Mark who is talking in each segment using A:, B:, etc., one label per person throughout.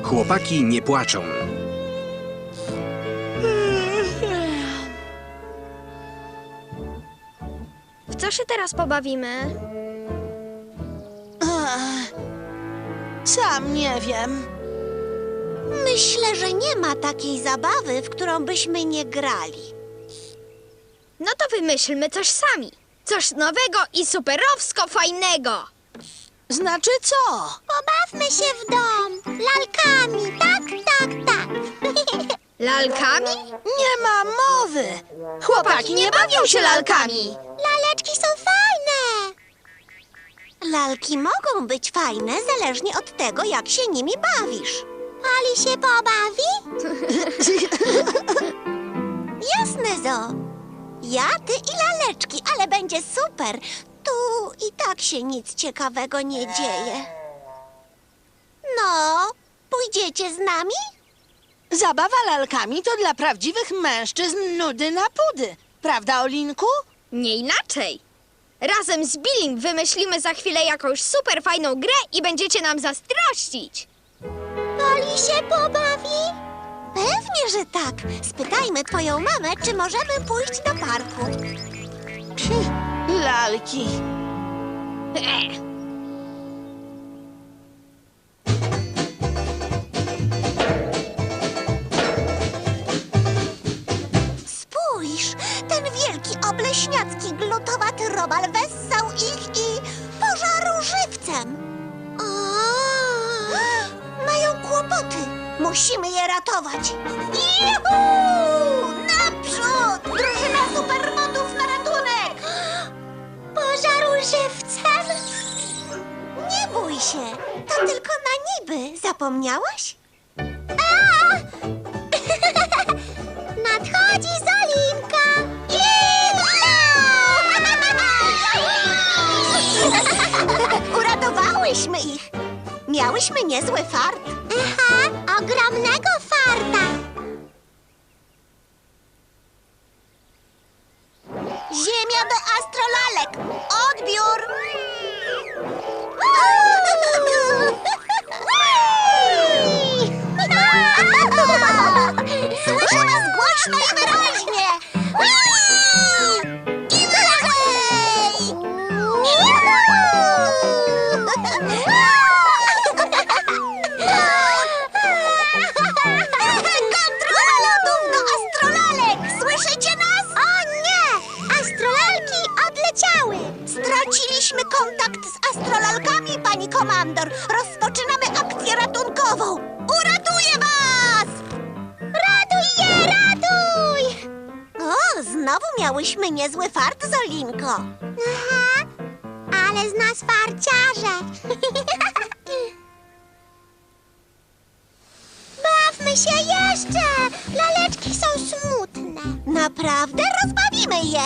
A: Chłopaki nie płaczą.
B: W co się teraz pobawimy?
C: Sam nie wiem.
D: Myślę, że nie ma takiej zabawy, w którą byśmy nie grali.
B: No to wymyślmy coś sami. Coś nowego i superowsko fajnego.
C: Znaczy co?
D: Pobawmy się w dom. Lalkami. Tak, tak, tak.
B: Lalkami?
C: Nie ma mowy. Chłopaki nie bawią się lalkami.
D: Laleczki są fajne. Lalki mogą być fajne, zależnie od tego, jak się nimi bawisz. Ali się pobawi? Jasne, Zo. Ja, ty i laleczki, ale będzie super. Tu i tak się nic ciekawego nie dzieje. No, pójdziecie z nami?
C: Zabawa lalkami to dla prawdziwych mężczyzn nudy na pudy. Prawda, Olinku?
B: Nie inaczej. Razem z Billim wymyślimy za chwilę jakąś super fajną grę i będziecie nam zazdrościć.
D: Ali się pobawi? Pewnie, że tak. Spytajmy twoją mamę, czy możemy pójść do parku.
C: Lalki.
D: Spójrz, ten wielki, obleśniacki, glutowaty robal wessał ich i pożarł żywcem. Mają kłopoty. Musimy je ratować. Juhu! Naprzód! Drużyna supermodów na ratunek! Pożarł żywcem? Nie bój się. To tylko na niby. Zapomniałaś? Nadchodzi Zolinka! Uratowałyśmy ich! Miałyśmy niezły fart. Aha, ogromnego farta. Ziemia do astrolalek. Odbiór! Słyszę was głośno i wyraźnie! I wyżej! Kontrola lotów do astrolalek! Słyszycie nas? O nie! Astrolalki odleciały! Straciliśmy kontakt z astrolalkami, pani komandor. Rozpoczynamy akcję ratunkową. Uratuję was! Ratuj je, ratuj! O, znowu miałyśmy niezły fart, Zolinko. Aha, ale z nas farciarze. Bawmy się jeszcze! Laleczki są smutne. Naprawdę? Rozbawimy je.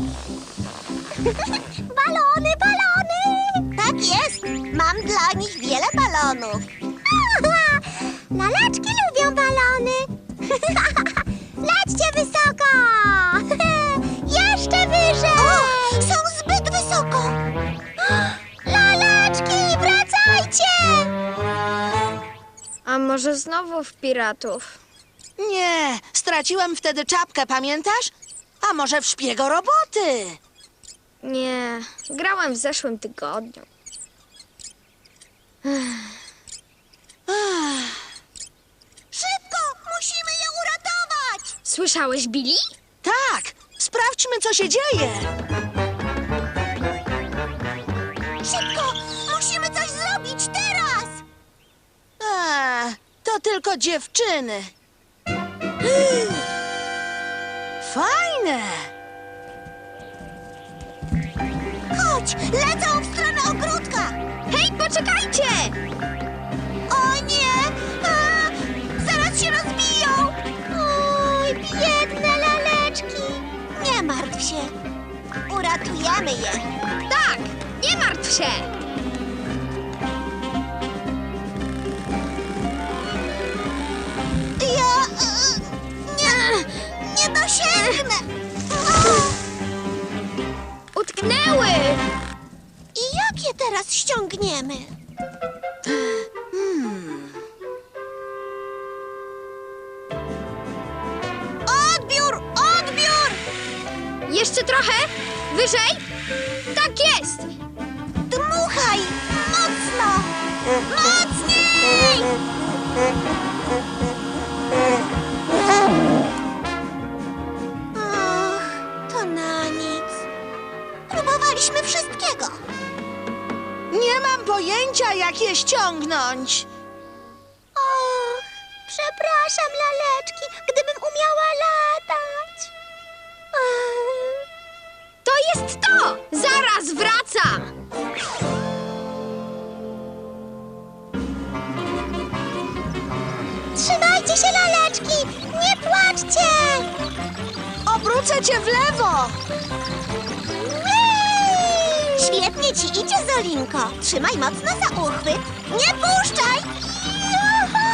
D: Balony, balony! Tak jest. Mam dla nich wiele balonów. Laleczki lubią balony. Lećcie wysoko! Jeszcze wyżej! O, są zbyt wysoko! Laleczki, wracajcie!
B: A może znowu w piratów?
C: Nie, straciłem wtedy czapkę, pamiętasz? A może w szpiego roboty?
B: Nie, grałem w zeszłym tygodniu.
D: Szybko! Musimy je uratować!
B: Słyszałeś, Billy?
C: Tak, sprawdźmy, co się dzieje.
D: Szybko! Musimy coś zrobić teraz!
C: To tylko dziewczyny. Fajne.
D: Chodź! Lecą w stronę ogródka!
B: Hej, poczekajcie!
D: O nie! A, zaraz się rozbiją! Oj, biedne laleczki! Nie martw się. Uratujemy je.
B: Tak, nie martw się!
D: Ja... nie dosięgnę!
B: Utknęły!
D: I jak je teraz ściągniemy?
B: trochę. Wyżej. Tak jest.
D: Dmuchaj! Mocno! Mocniej! Och, to na nic. Próbowaliśmy wszystkiego.
C: Nie mam pojęcia, jak je ściągnąć.
D: Och, przepraszam, laleczki, gdybym umiała latać.
B: To jest to. Zaraz wracam.
D: Trzymajcie się, laleczki! Nie płaczcie!
C: Obrócę cię w lewo.
D: Whee! Świetnie ci idzie, Zolinko. Trzymaj mocno za uchwyt. Nie puszczaj! Juhu!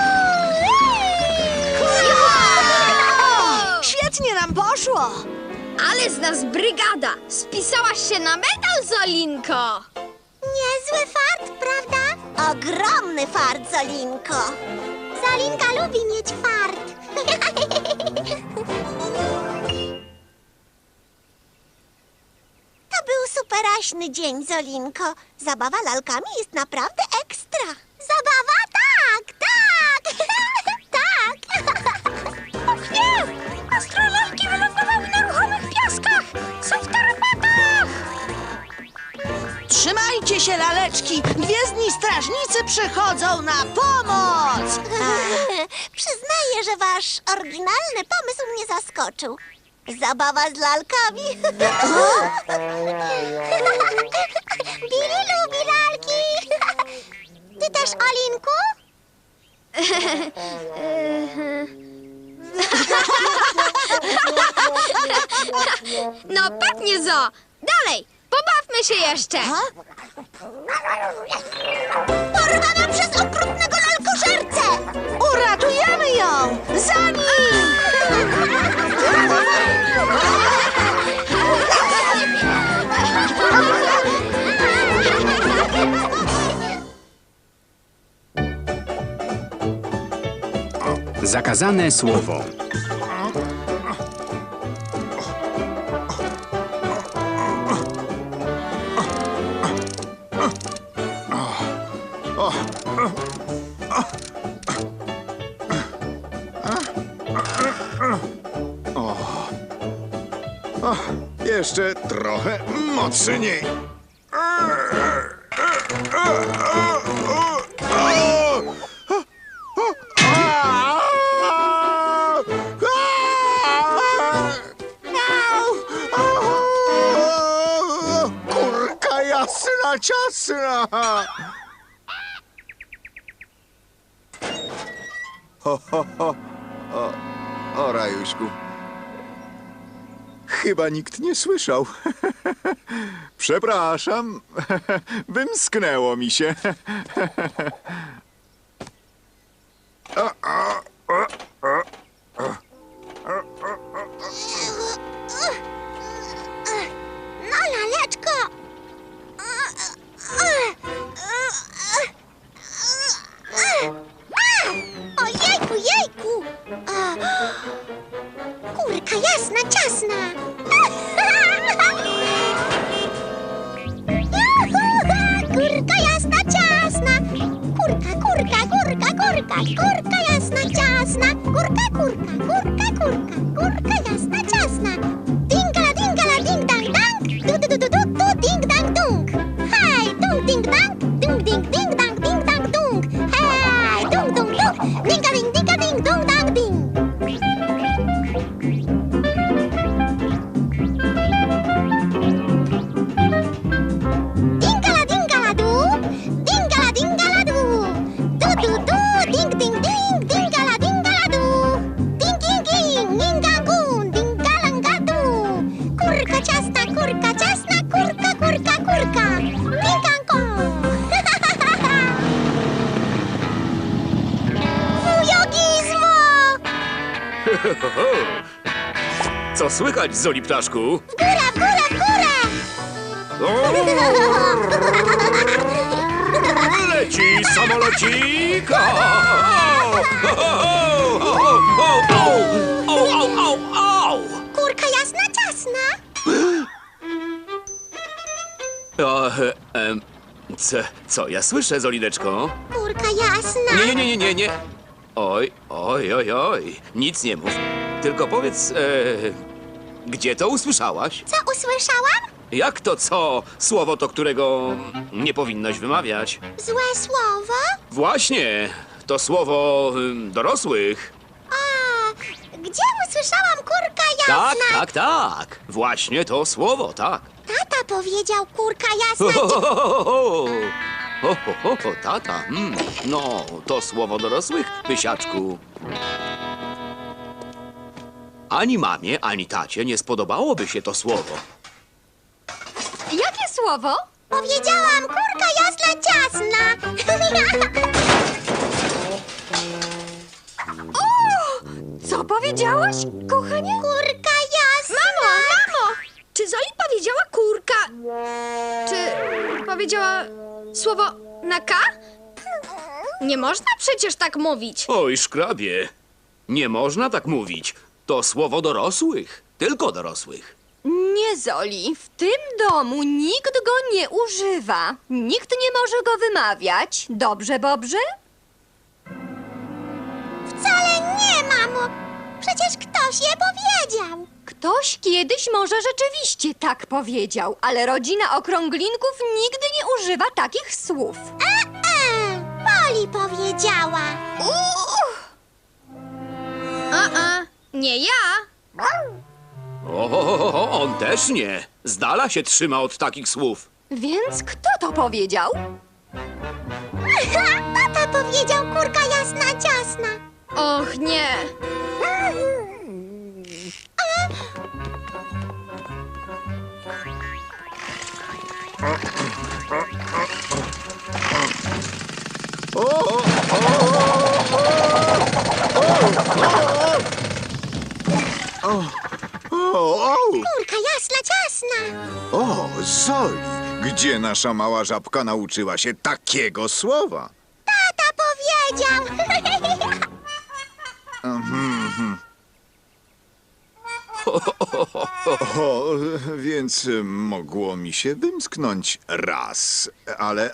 B: Juhu!
C: Świetnie nam poszło.
B: Ale z nas brygada. Spisałaś się na medal, Zolinko.
D: Niezły fart, prawda? Ogromny fart, Zolinko. Zolinka lubi mieć fart. To był superaśny dzień, Zolinko. Zabawa lalkami jest naprawdę ekstra. Zabawa? Tak, tak! Tak! Och nie! Astrolalki wylądowały na ruchomych piaskach! Są w tarapatach!
C: Trzymajcie się, laleczki. Gwiezdni strażnicy przychodzą na pomoc.
D: Przyznaję, że wasz oryginalny pomysł mnie zaskoczył. Zabawa z lalkami. Billy lubi lalki. Ty też, Olinku?
B: No pewnie, Zo. Dalej. Pobawmy się jeszcze.
D: Porwana przez okrutnego lalkożercę!
C: Uratujemy ją. Za nim.
A: Zakazane słowo.
E: Jeszcze trochę mocniej. Kurka jasna, ciasna. O, Rajuśku. Chyba nikt nie słyszał. Przepraszam. Wymsknęło mi się.
D: No, laleczko! Ojejku, jejku! Kurka jasna, ciasna! Kurka jasna, ciasna! Kurka, kurka, kurka, kurka! Kurka jasna, ciasna! Kurka, kurka, kurka, kurka! Kurka jasna, ciasna! Dingala, dingala, ding dang dang! Du du du du du du ding dang dung! Hej, dung ding dang! Dung ding ding dang ding dang dung! Hej, dung dung dung! Dinga ding dinga ding dung dang ding! Dingala dingala du! Dingala dingala du! Du du du! Ding ding ding! Dingala dingala du! Ding ding ding! Ningangun! Dingalanga du! Kurka ciasna, kurka ciasna! Kurka, kurka, kurka! Dingangong! Wujogizmo!
F: Co słychać, Zoli ptaszku?
D: W górę, w górę, w górę!
F: Leci samolocik! Au!
D: Kurka jasna, ciasna!
F: Co ja słyszę, Zolineczko?
D: Kurka jasna.
F: Nie. Oj. Nic nie mów. Tylko powiedz, gdzie to usłyszałaś?
D: Co usłyszałam?
F: Jak to co? Słowo to, którego nie powinnaś wymawiać.
D: Złe słowo?
F: Właśnie, to słowo dorosłych.
D: A, gdzie usłyszałam kurka jasna?
F: Tak. Właśnie to słowo, tak.
D: Tata powiedział kurka jasna.
F: Tata. No, to słowo dorosłych, pysiaczku. Ani mamie, ani tacie nie spodobałoby się to słowo.
B: Jakie słowo?
D: Powiedziałam kurka jasna ciasna.
B: Co powiedziałaś, kochanie?
D: Kurka jasna.
B: Mamo! Czy Zoli powiedziała kurka? Czy powiedziała słowo na K? Nie można przecież tak mówić.
F: Oj, szkrabie, nie można tak mówić. To słowo dorosłych, tylko dorosłych.
A: Nie, Zoli, w tym domu nikt go nie używa. Nikt nie może go wymawiać. Dobrze, Bobrze?
D: Wcale nie, mamo. Przecież ktoś je powiedział.
A: Ktoś kiedyś może rzeczywiście tak powiedział, ale rodzina okrąglinków nigdy nie używa takich słów.
D: Poli powiedziała.
B: Nie ja.
F: On też nie. Z dala się trzyma od takich słów.
A: Więc kto to powiedział?
D: Tata powiedział kurka jasna ciasna.
B: Och, nie.
D: Kurka jasna ciasna.
E: O, Zoli, gdzie nasza mała żabka nauczyła się takiego słowa?
D: Tata powiedział.
E: O, więc mogło mi się wymsknąć raz, ale...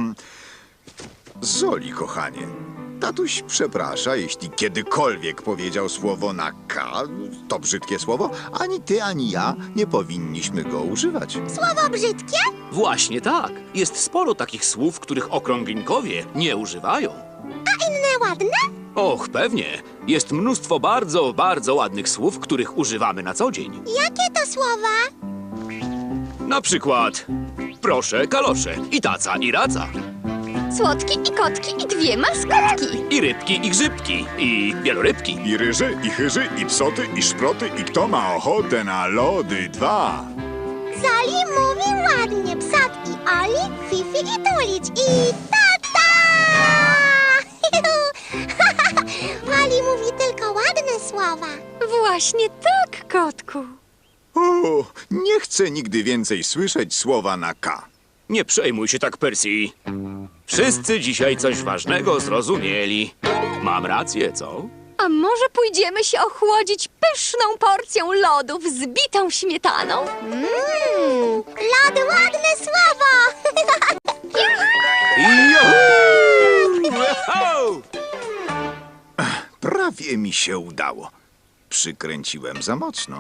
E: Zoli, kochanie, tatuś przeprasza, jeśli kiedykolwiek powiedział słowo na K, to brzydkie słowo, ani ty, ani ja nie powinniśmy go używać.
D: Słowo brzydkie?
F: Właśnie tak. Jest sporo takich słów, których okrąglinkowie nie używają.
D: A inne ładne?
F: Och, pewnie. Jest mnóstwo bardzo, bardzo ładnych słów, których używamy na co dzień.
D: Jakie to słowa?
F: Na przykład proszę, kalosze, i taca, i raca,
A: Słodki i kotki i dwie maskotki.
F: i rybki, i grzybki, i wielorybki.
E: I ryży, i chyży, i psoty, i szproty, i kto ma ochotę na lody 2.
D: Zoli mówi ładnie. Psat i Oli, Fifi i Tulić i tata! Oli mówi tylko ładne słowa.
A: Właśnie tak, kotku.
E: O, nie chcę nigdy więcej słyszeć słowa na K.
F: Nie przejmuj się tak, Percy. Wszyscy dzisiaj coś ważnego zrozumieli. Mam rację, co?
A: A może pójdziemy się ochłodzić pyszną porcją lodów z bitą śmietaną?
D: Lody, ładne słowo!
F: Juhu!
E: Prawie mi się udało. Przykręciłem za mocno.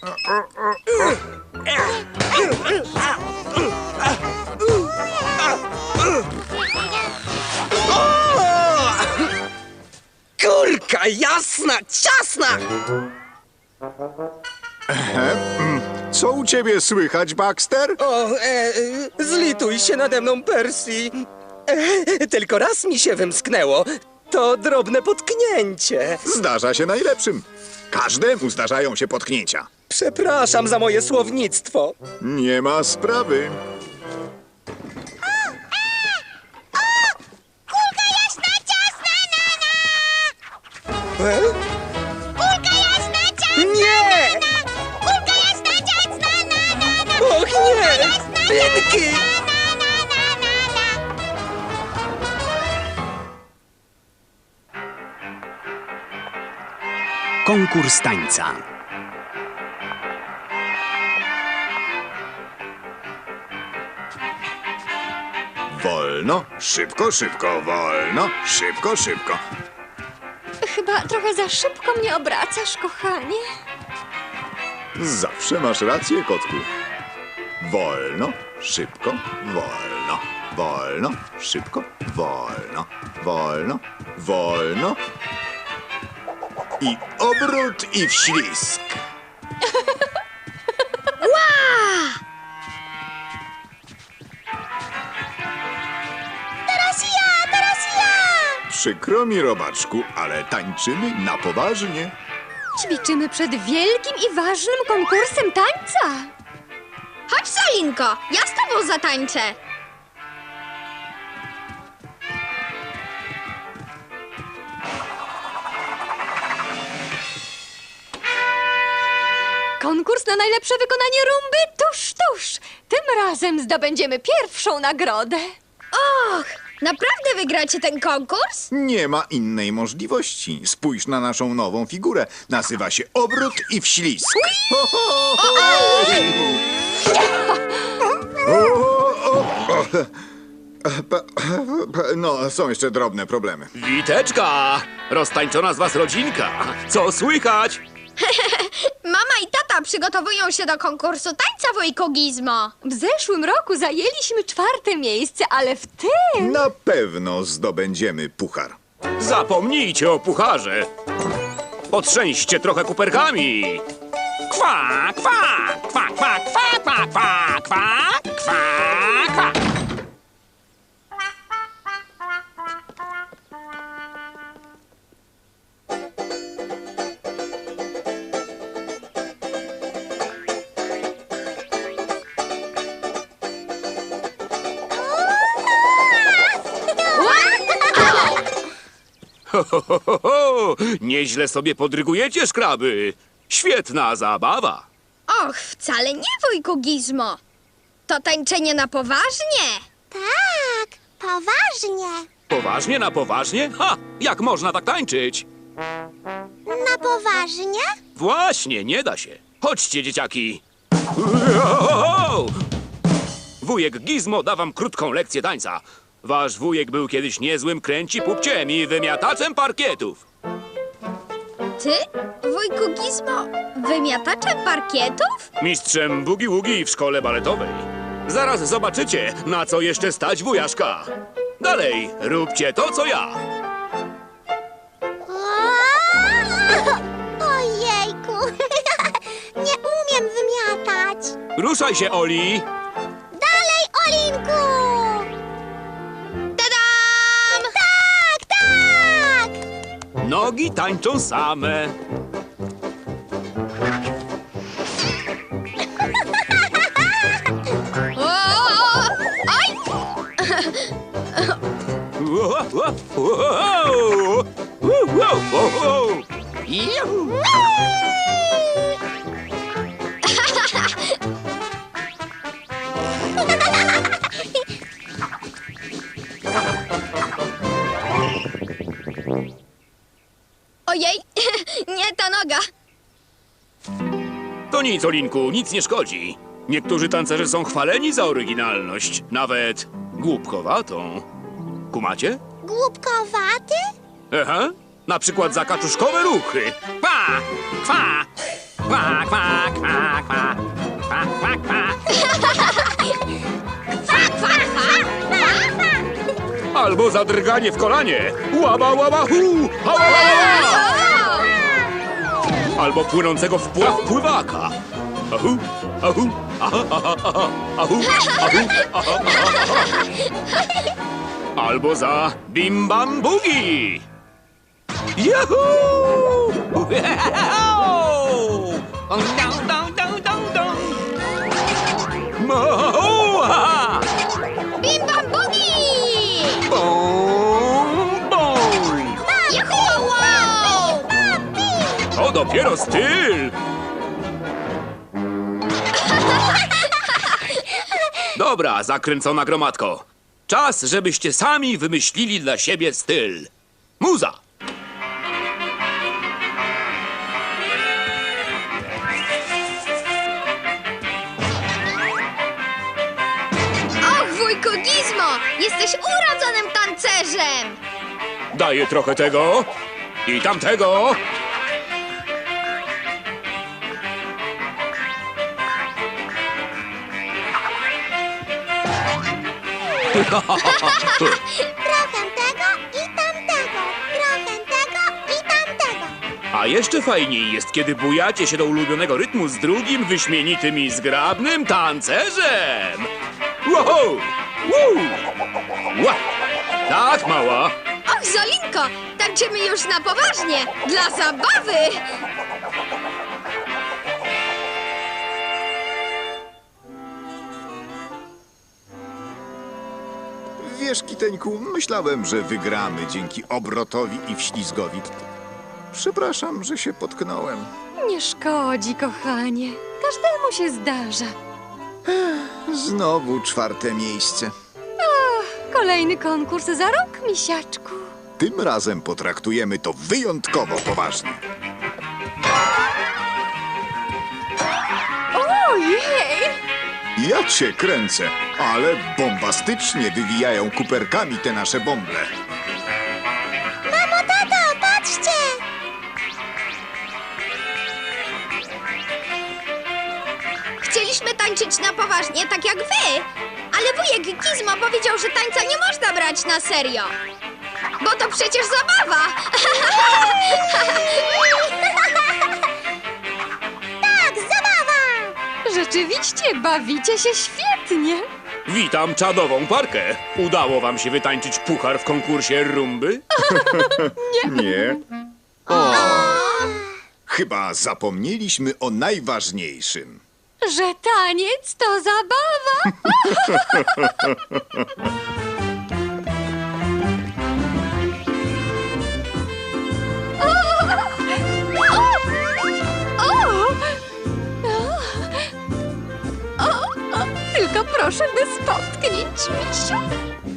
G: Kurka jasna, ciasna!
E: Co u ciebie słychać, Baxter?
G: Zlituj się nade mną, Percy. Tylko raz mi się wymsknęło. To drobne potknięcie.
E: Zdarza się najlepszym. Każdemu zdarzają się potknięcia.
G: Przepraszam za moje słownictwo.
E: Nie ma sprawy.
D: Kulka jasna, ciasna, nana! Kulka jasna, ciasna,
G: Nie!
D: kulka jasna, ciasna, nana!
G: Och nie! Pinki!
H: Konkurs tańca.
E: wolno, szybko, szybko, wolno, szybko, szybko.
A: Chyba trochę za szybko mnie obracasz, kochanie.
E: Zawsze masz rację, kotku. Wolno, szybko, wolno, wolno, szybko, wolno, wolno, wolno. I obrót i wślizg.
D: Teraz ja, teraz ja!
E: Przykro mi, robaczku, ale tańczymy na poważnie.
A: Ćwiczymy przed wielkim i ważnym konkursem tańca.
B: Chodź, Solinko, ja z tobą zatańczę.
A: Konkurs na najlepsze wykonanie rumby tuż, tuż. Tym razem zdobędziemy pierwszą nagrodę.
B: Och, naprawdę wygracie ten konkurs?
E: Nie ma innej możliwości. Spójrz na naszą nową figurę. Nazywa się obrót i wślizg. Ho, ho, ho. No, są jeszcze drobne problemy.
F: Witeczka! Roztańczona z was rodzinka. Co słychać?
B: Mama i tata przygotowują się do konkursu tańca, wujku Gizmo.
A: W zeszłym roku zajęliśmy 4. miejsce, ale w tym...
E: Na pewno zdobędziemy puchar.
F: Zapomnijcie o pucharze. Potrzęście trochę kuperkami. Kwa, kwa, kwa, kwa, kwa, kwa, kwa, kwa, kwa, kwa. Ho, ho, ho, ho, ho. Nieźle sobie podrygujecie, szkraby. Świetna zabawa.
B: Och, wcale nie, wujku Gizmo. To tańczenie na poważnie.
D: Tak, poważnie.
F: Poważnie na poważnie? Ha! Jak można tak tańczyć?
D: Na poważnie?
F: Właśnie, nie da się. Chodźcie, dzieciaki. Wujek Gizmo da wam krótką lekcję tańca. Wasz wujek był kiedyś niezłym kręci-pupciem i wymiataczem parkietów.
B: Ty, wujku Gizmo, wymiataczem parkietów?
F: Mistrzem bugi-wugi w szkole baletowej. Zaraz zobaczycie, na co jeszcze stać wujaszka. Dalej, róbcie to, co ja.
D: Ojejku, nie umiem wymiatać.
F: Ruszaj się, Oli.
D: Dalej, Olinku!
B: Tadam!
D: Tak, tak!
F: Nogi tańczą same.
B: O! Oj!
F: Juhu.
B: Ojej, nie ta noga.
F: To nic, Olinku, nic nie szkodzi. Niektórzy tancerze są chwaleni za oryginalność, nawet głupkowatą. Kumacie?
D: Głupkowaty?
F: Aha, na przykład za kaczuszkowe ruchy. Kwa, kwa, kwa, kwa, kwa, kwa, kwa, kwa, kwa. Albo za drganie w kolanie. Łaba, łaba, hu, ha, ła, ła, ła. Albo płynącego w pław pływaka. Ahu, ahu, aha, aha, aha, ahu, ahu, aha, aha, aha. Albo za bim bam bugi. Yahoo! Dong, dong, dong, dong, dong. Moa!
B: Bim bam bugi!
F: Bom, bom.
B: Juhu! Wow!
F: To dopiero styl. Dobra, zakręcona gromadko. Czas, żebyście sami wymyślili dla siebie styl. Muza!
B: Och, wujku Gizmo, jesteś Jesteś urodzonym tancerzem!
F: Daję trochę tego i tamtego.
D: Trochę tego i tamtego. Trochę tego i tamtego.
F: A jeszcze fajniej jest, kiedy bujacie się do ulubionego rytmu z drugim wyśmienitym i zgrabnym tancerzem. Wow! Woo! Ła! Tak, mała.
B: Och, Zolinko, tańczymy już na poważnie, dla zabawy!
E: Wiesz, Kiteńku, myślałem, że wygramy dzięki obrotowi i wślizgowi. Przepraszam, że się potknąłem.
A: Nie szkodzi, kochanie. Każdemu się zdarza.
E: Znowu 4. miejsce.
A: Kolejny konkurs za rok, misiaczku.
E: Tym razem potraktujemy to wyjątkowo poważnie.
A: Ojej!
E: Ja cię kręcę, ale bombastycznie wywijają kuperkami te nasze bąble.
D: Mamo, tato, patrzcie!
B: Chcieliśmy tańczyć na poważnie, tak jak wy, ale wujek Gizmo powiedział, że tańca nie można brać na serio. Bo to przecież zabawa!
D: Tak, zabawa!
A: Rzeczywiście, bawicie się świetnie.
F: Witam czadową parkę. Udało wam się wytańczyć puchar w konkursie rumby?
E: Nie. Chyba zapomnieliśmy o najważniejszym.
A: Że taniec to zabawa. Tylko proszę bez potknięć, misiu.